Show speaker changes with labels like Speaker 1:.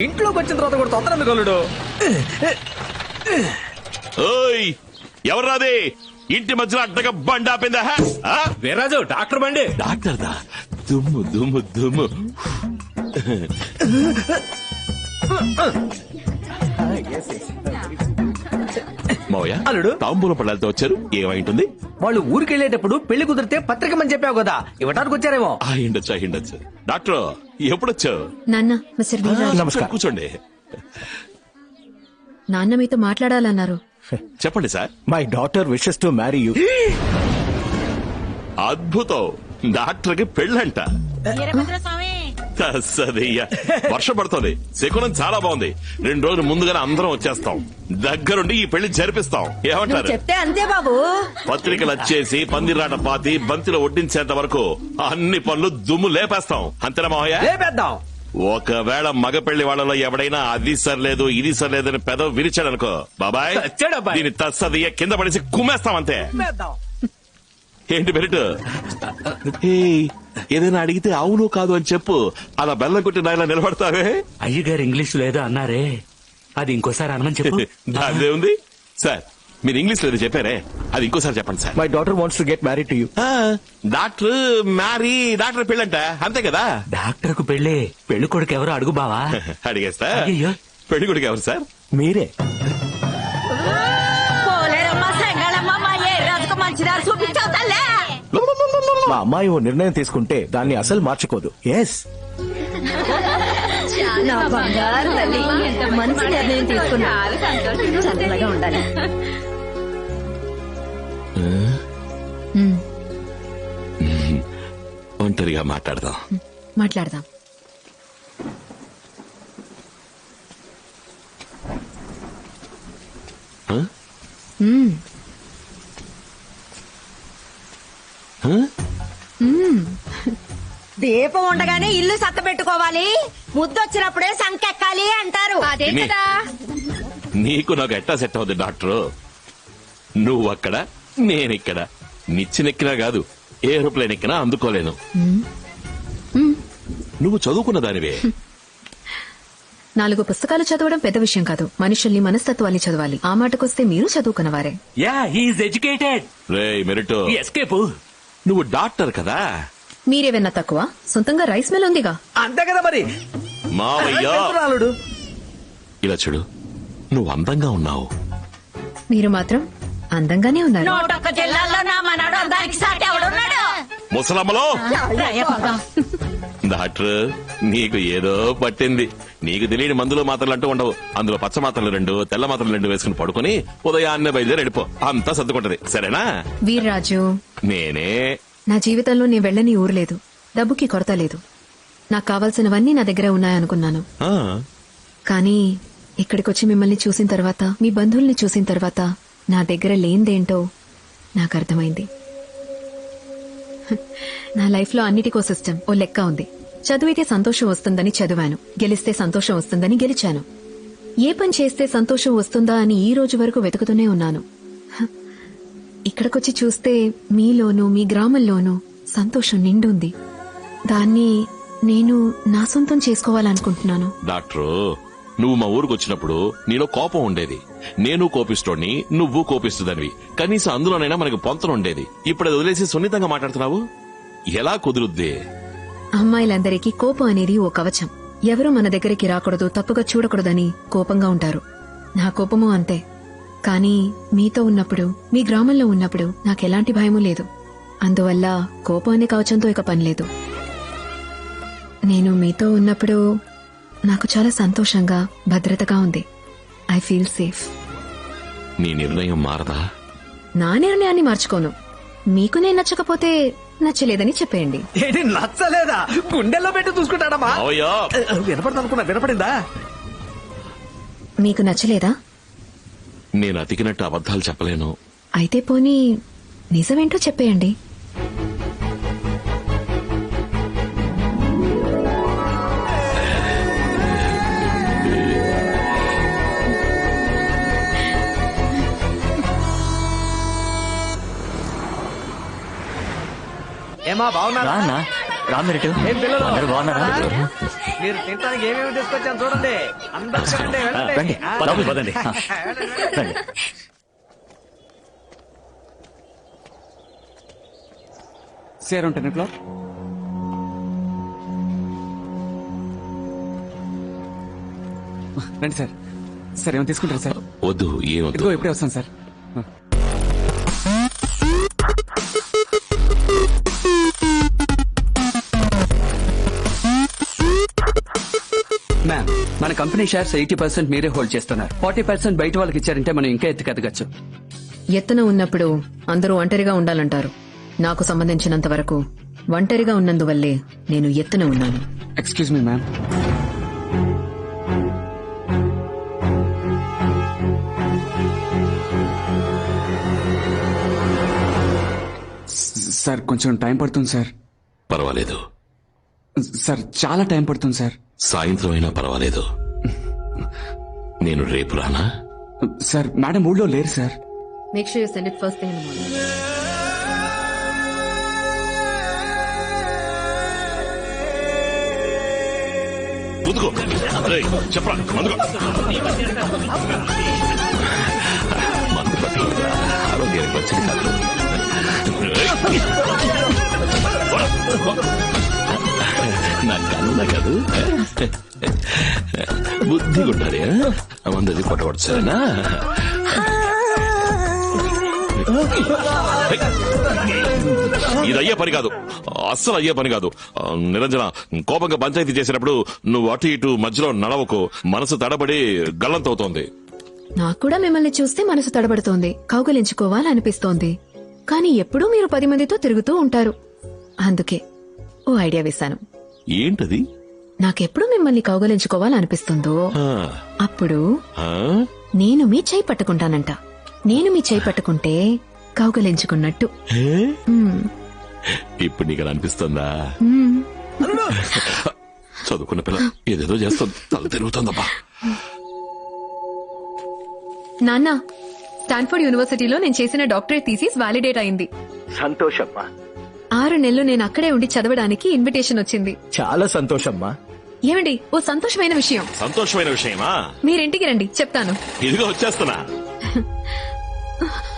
Speaker 1: ఇంట్లోకి వచ్చిన తర్వాత కూడా తొందర ఎందుకు అల్లుడు?
Speaker 2: ఓయ్ ఎవర్రాది ఇంటి మధ్యలో అడ్డగా బండి ఆపిందా?
Speaker 1: వీర్రాజు డాక్టర్ బండి.
Speaker 2: డాక్టర్ దా దుమ్ము దుమ్ము దుమ్ము. మావయ్య
Speaker 1: అల్లుడు.
Speaker 2: తాంబూలం పళ్ళాలతో వచ్చారు, ఏమైంటుంది?
Speaker 1: వాళ్ళు ఊరికెళ్లేటప్పుడు పెళ్లి కుదిరితే పత్రికమని చెప్పావు కదా, ఇవ్వటానికి వచ్చారేమో.
Speaker 2: అయ్యుండొచ్చు. డాక్టర్ ఎప్పుడొచ్చావు?
Speaker 3: నాన్న, మిస్టర్ వీర్రాజు.
Speaker 1: నమస్కారం.
Speaker 2: కూర్చోండి.
Speaker 3: నాన్న మీతో మాట్లాడాలన్నారు.
Speaker 2: చెప్పండి sir.
Speaker 4: My daughter wishes to marry you.
Speaker 2: అద్భుతం, డాక్టర్ కి పెళ్ళంట. సదయ్యా, వర్షం పడుతుంది, శకునం చాలా బాగుంది. 2 రోజులు ముందుగానే అందరం వచ్చేస్తాం, దగ్గరుండి ఈ పెళ్లి జరిపిస్తాం. ఏమంటారు?
Speaker 5: చెప్తే అంతే బాబు.
Speaker 2: పత్రికలు వచ్చేసి పందిరాట పాతి బంతిలో వడ్డించేంత వరకు అన్ని పనులు దుమ్ము లేపేస్తాం. అంతేనా మావయ్య?
Speaker 1: లేపేద్దాం.
Speaker 2: ఒకవేళ మగ పెళ్లి వాళ్ళలో ఎవడైనా అది సర్లేదు ఇది సర్లేదు అని పెదవి విరిచాడనుకో, బాబాయ్
Speaker 1: చచ్చాడబ్బాయ్.
Speaker 2: దీని తస్సదియ్య కింద పడేసి కుమ్మేస్తాం అంతే.
Speaker 1: లేపేద్దాం.
Speaker 2: ఏంటి బెరిట్? ఏదైనా అడిగితే అవును కాదు అని చెప్పు. అలా బెల్లం కొట్టి నాయన నిలబడతావే.
Speaker 6: అయ్యగారు ఇంగ్లీష్ లేదో అన్నారే, అది ఇంకోసారి అనమని చెప్పు.
Speaker 2: దాదే ఉంది సార్. మీరు ఇంగ్లీష్ లో చెప్పారే, అది ఇంకోసారి చెప్పండి sir.
Speaker 4: My daughter wants to get married to you.
Speaker 2: Doctor marry, doctor పెళ్ళంట, అంతే కదా?
Speaker 6: డాక్టర్ కు పెళ్ళి, పెళ్లి కొడుకు ఎవరు అడుగు బావా.
Speaker 2: అడిగేస్తా.
Speaker 6: అయ్యయ్యో.
Speaker 2: పెళ్లి కొడుకు ఎవరు సార్?
Speaker 4: మీరే.
Speaker 5: పోలేరమ్మా సంగళమ్మ, మా ఏ రాజుకు మంచిదారు చూపించావు తల్లే.
Speaker 4: మా అమ్మాయి ఓ నిర్ణయం తీసుకుంటే దాన్ని అసలు మార్చుకోదు. ఎస్.
Speaker 5: నా బంగారు తల్లి ఎంత మంచి నిర్ణయం తీసుకున్నా. చల్లగా ఉండాలి.
Speaker 2: ఒంటరిగా మాట్లాడదాం.
Speaker 3: మాట్లాడదాం.
Speaker 5: దీపం ఉండగానే ఇల్లు సత్త పెట్టుకోవాలి, ముద్దొచ్చినప్పుడే సంకెక్కాలి అంటారు. అదే
Speaker 2: విని.
Speaker 5: కదా.
Speaker 2: నీకు నాకు ఎట్టా సెట్ అవుతుంది డాక్టర్? నువ్వు అక్కడ, నేనిక్కడ. నిచ్చినెక్కినా కాదు, ఏరోప్లేన్ ఎక్కినా అందుకోలేను. నువ్వు చదువుకున్న దానివే.
Speaker 3: 4 పుస్తకాలు చదవడం పెద్ద విషయం కాదు, మనుషుల్ని మనస్తత్వాన్ని చదవాలి. ఆ మాటకొస్తే మీరు చదువుకున్నవారే.
Speaker 6: Yeah, he's educated.
Speaker 2: రే మెరిట్,
Speaker 6: ఎస్కేప్.
Speaker 2: నువ్వు డాక్టర్ కదా?
Speaker 3: మీరేవన్నా తక్కువ? సొంతంగా రైస్ మిల్ ఉందిగా.
Speaker 1: అంతే కదా మరి.
Speaker 2: మావయ్య
Speaker 1: అల్లుడు.
Speaker 2: ఇలా చూడు, నువ్వు అందంగా ఉన్నావు.
Speaker 3: మీరు మాత్రం అందంగానే ఉన్నారు.
Speaker 5: నూటొక్క జిల్లాల్లో నా మనడు అందరికి సాటి ఎవడున్నాడు?
Speaker 2: ముసలమ్మలో డాక్టర్, నీకు ఏదో పట్టింది. నీకు తెలియని మందులు మాత్రలు అంటూ ఉండవు. అందులో పచ్చ మాత్రలు 2, తెల్ల మాత్రలు 2 వేసుకుని పడుకుని ఉదయాన్నే బయలుదేరి వెళ్ళిపో, అంతా సర్దుకుంటది. సరేనా?
Speaker 3: వీర్రాజు,
Speaker 2: నేనే.
Speaker 3: నా జీవితంలో నేను వెళ్ళని ఊరు లేదు, డబ్బుకి కొరత లేదు. నాకు కావాల్సినవన్నీ నా దగ్గర ఉన్నాయనుకున్నాను.
Speaker 2: ఆ,
Speaker 3: కానీ ఇక్కడికొచ్చి మిమ్మల్ని చూసిన తర్వాత, మీ బంధువుల్ని చూసిన తర్వాత నా దగ్గర లేనిదేంటో నాకు అర్థమైంది. నా లైఫ్ లో అన్నిటికో సిస్టమ్, ఓ లెక్క ఉంది. చదివితే సంతోషం వస్తుందని చదివాను, గెలిస్తే సంతోషం వస్తుందని గెలిచాను. ఏ పని చేస్తే సంతోషం వస్తుందా అని ఈ రోజు వరకు వెతుకుతూనే ఉన్నాను. ఇక్కడికొచ్చి చూస్తే మీలోనూ మీ గ్రామంలోనూ సంతోషం నిండుంది. దాన్ని నేను నా సొంతం చేసుకోవాలనుకుంటున్నాను.
Speaker 2: డాక్టర్, నువ్వు మా ఊరికి వచ్చినప్పుడు నీలో కోపం ఉండేది. నేను కోపిస్తోడిని, నువ్వు కోపిస్తుందనివి. కనీసం అందులోనైనా మనకి పొంతన ఉండేది. ఇప్పుడు అది వదిలేసి సున్నితంగా మాట్లాడుతున్నావు, ఎలా కుదురుద్ది?
Speaker 3: అమ్మాయిలందరికీ కోపం అనేది ఓ కవచం. ఎవరూ మన దగ్గరికి రాకూడదు, తప్పుగా చూడకూడదని కోపంగా ఉంటారు. నా కోపమూ అంతే. కానీ మీతో ఉన్నప్పుడు, మీ గ్రామంలో ఉన్నప్పుడు నాకెలాంటి భయమూ లేదు. అందువల్ల కోపం అనే కవచంతో ఇక పనిలేదు. నేను మీతో ఉన్నప్పుడు నాకు చాలా సంతోషంగా, భద్రతగా ఉంది. I feel safe.
Speaker 2: నీ నిర్ణయం మారదా?
Speaker 3: నా నిర్ణయాన్ని మార్చుకోను. మీకు నేను నచ్చకపోతే నచ్చలేదని చెప్పేయండి.
Speaker 1: ఏంటి నచ్చలేదా? గుండెల్లో పెట్టి చూసుకుంటాడమ్మా.
Speaker 2: మావయ్య,
Speaker 1: వినపడదు అనుకున్నా, వినపడిందా?
Speaker 3: మీకు నచ్చలేదా?
Speaker 2: నేను అతికినట్టు అబద్ధాలు చెప్పలేను.
Speaker 3: అయితే పోనీ నిజమేంటో చెప్పేయండి.
Speaker 1: ఏమా బాగున్నా?
Speaker 6: రానా
Speaker 7: రామిరెడ్డి
Speaker 1: ఏం పిల్లలు?
Speaker 7: అందరూ బాగున్నారా?
Speaker 1: మీరు తినడానికి ఏమేమి తీసుకొచ్చాను చూడండి. అందరూ తినండి, వెళ్ళండి.
Speaker 7: రండి లోపలికి పదండి. రండి.
Speaker 8: Sir 10 o'clock. రండి సార్. సార్ ఏమైనా తీసుకుంటారా సార్?
Speaker 2: వద్దు ఏమొద్దు.
Speaker 8: ఇదిగో ఇప్పుడే వస్తాను సార్. మ్యామ్, మన కంపెనీ షేర్స్ 80% మీరే హోల్డ్ చేస్తున్నారు. 40% బయట వాళ్ళకి ఇచ్చారంటే మనం ఇంకా ఎత్తుకెదగచ్చు.
Speaker 3: ఎత్తున ఉన్నప్పుడు అందరూ ఒంటరిగా ఉండాలంటారు. నాకు సంబంధించినంత వరకు ఒంటరిగా ఉన్నందువల్లే నేను ఎత్తున ఉన్నాను.
Speaker 8: Excuse me ma'am. సార్ కొంచెం టైం పడుతుంది సార్.
Speaker 2: పర్వాలేదు,
Speaker 8: సార్ చాలా టైం పడుతుంది సార్.
Speaker 2: సాయంత్రం అయినా పర్వాలేదు. నేను రేపు రానా?
Speaker 8: సార్ మేడం ఊళ్ళో లేరు sir.
Speaker 3: Make sure you send it first thing in the morning.
Speaker 2: ముందుకో. రేయ్, చెప్పరా ముందుకో. మందు పట్ల ఆరోగ్యానికి వచ్చింది కాదు. రేయ్. నా కన్న కాదు, బుద్ధిగా ఉండాలి. మందది కొట్టబడు సరేనా? ఇది అయ్యే పని కాదు, అస్సలు అయ్యే పని కాదు. నిరంజన, కోపంగా పంచాయతీ చేసినప్పుడు నువ్వు అటు ఇటు మధ్యలో నడవకు. మనసు తడబడి గల్లంతవుతోంది.
Speaker 3: నాకు కూడా మిమ్మల్ని చూస్తే మనసు తడబడుతోంది, కౌగలించుకోవాలనిపిస్తోంది. కానీ ఎప్పుడూ మీరు 10 మందితో తిరుగుతూ ఉంటారు. అందుకే ఓ ఐడియా వేశాను.
Speaker 2: ఏంటది?
Speaker 3: నాకెప్పుడు మిమ్మల్ని కౌగలించుకోవాలనిపిస్తుందో
Speaker 2: ఆ,
Speaker 3: అప్పుడు
Speaker 2: ఆ?
Speaker 3: నేను మీ చేయి పట్టుకుంటానంట. నేను మీ చేయి పట్టుకుంటే కౌగలించుకున్నట్టు.
Speaker 2: ఏ?
Speaker 3: మ్మ్.
Speaker 2: ఇప్పుడు నీకు అలా అనిపిస్తుందా?
Speaker 3: మ్మ్.
Speaker 2: చదువుకున్న పిల్ల ఏదేదో చేస్తుంది, తల తిరుగుతుందబ్బా.
Speaker 3: నాన్న, స్టాన్ఫోర్డ్ యూనివర్సిటీలో నేను చేసిన డాక్టరేట్ థీసిస్ వాలిడేట్ అయింది.
Speaker 4: సంతోషమ్మా,
Speaker 3: 6 నెలలు నేను అక్కడే ఉండి చదవడానికి ఇన్విటేషన్ వచ్చింది.
Speaker 4: చాలా సంతోషమ్మా.
Speaker 3: ఏమండి, ఓ సంతోషమైన విషయం.
Speaker 2: సంతోషమైన విషయమా?
Speaker 3: మీరింటికి రండి, చెప్తాను.
Speaker 2: ఇదిగో వచ్చేస్తున్నా.